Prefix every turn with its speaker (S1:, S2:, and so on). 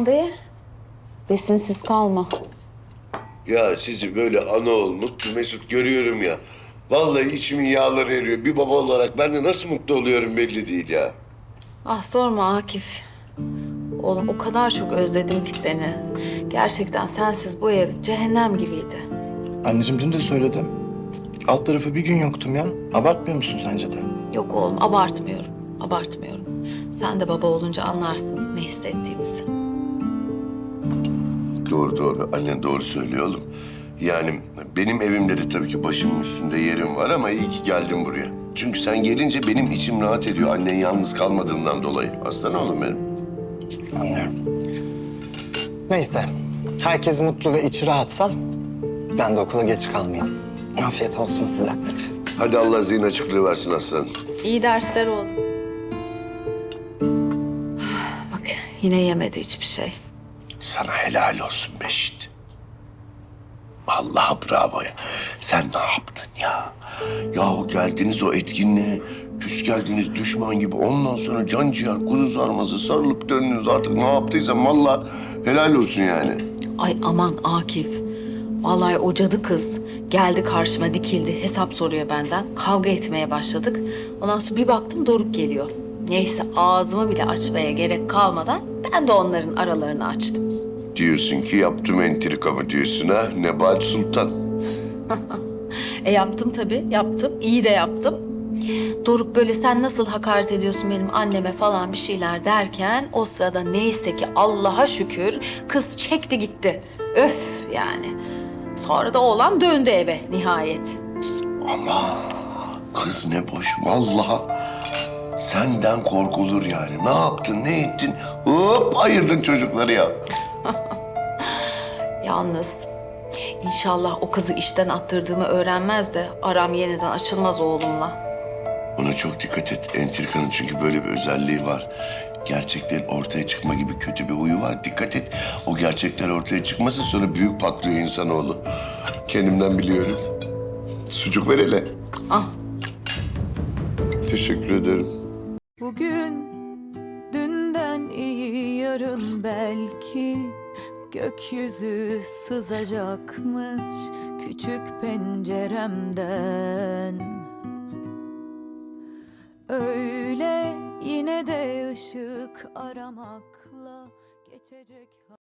S1: de besinsiz kalma.
S2: Ya sizi böyle ana ol, mutlu mesut görüyorum ya. Vallahi içimin yağları eriyor. Bir baba olarak ben de nasıl mutlu oluyorum belli değil ya.
S1: Ah sorma Akif. Oğlum o kadar çok özledim ki seni. Gerçekten sensiz bu ev cehennem gibiydi.
S3: Anneciğim dün de söyledim. Alt tarafı bir gün yoktum ya. Abartmıyor musun sence de?
S1: Yok oğlum abartmıyorum. Abartmıyorum. Sen de baba olunca anlarsın ne hissettiğimizi.
S2: Doğru doğru. Annen doğru söylüyor oğlum. Yani benim evimde de tabii ki başımın üstünde yerim var ama iyi ki geldin buraya. Çünkü sen gelince benim içim rahat ediyor. Annen yalnız kalmadığından dolayı. Aslan oğlum benim.
S3: Anlıyorum. Neyse. Herkes mutlu ve içi rahatsa ben de okula geç kalmayayım. Afiyet olsun size.
S2: Hadi Allah zihin açıklığı versin aslan.
S1: İyi dersler oğlum. Bak yine yemedi hiçbir şey.
S2: Sana helal olsun Beşit. Vallahi bravo ya. Sen ne yaptın ya? Yahu geldiniz o etkinliğe, küs geldiniz düşman gibi. Ondan sonra can ciğer, kuzu sarması sarılıp döndünüz. Artık ne yaptıysam vallahi helal olsun yani.
S1: Ay aman Akif. Vallahi o cadı kız geldi karşıma dikildi. Hesap soruyor benden. Kavga etmeye başladık. Ondan sonra bir baktım Doruk geliyor. Neyse ağzımı bile açmaya gerek kalmadan ben de onların aralarını açtım.
S2: Diyorsun ki yaptım entrikamı diyorsun ha Nebahat Sultan.
S1: Yaptım tabii yaptım. İyi de yaptım. Doruk böyle sen nasıl hakaret ediyorsun benim anneme falan bir şeyler derken o sırada neyse ki Allah'a şükür kız çekti gitti. Öf yani. Sonra da oğlan döndü eve nihayet.
S2: Ama kız ne boş vallahi. Senden korkulur yani. Ne yaptın, ne ettin? Hop ayırdın çocukları ya.
S1: Yalnız inşallah o kızı işten attırdığımı öğrenmez de aram yeniden açılmaz oğlumla.
S2: Ona çok dikkat et. Entrikanın çünkü böyle bir özelliği var. Gerçeklerin ortaya çıkma gibi kötü bir huyu var. Dikkat et. O gerçekler ortaya çıkmasa sonra büyük patlıyor insanoğlu. Kendimden biliyorum. Sucuk ver hele.
S1: Ah.
S2: Teşekkür ederim.
S4: Bugün dünden iyi yarın belki gökyüzü sızacakmış küçük penceremden. Öyle yine de ışık aramakla geçecek.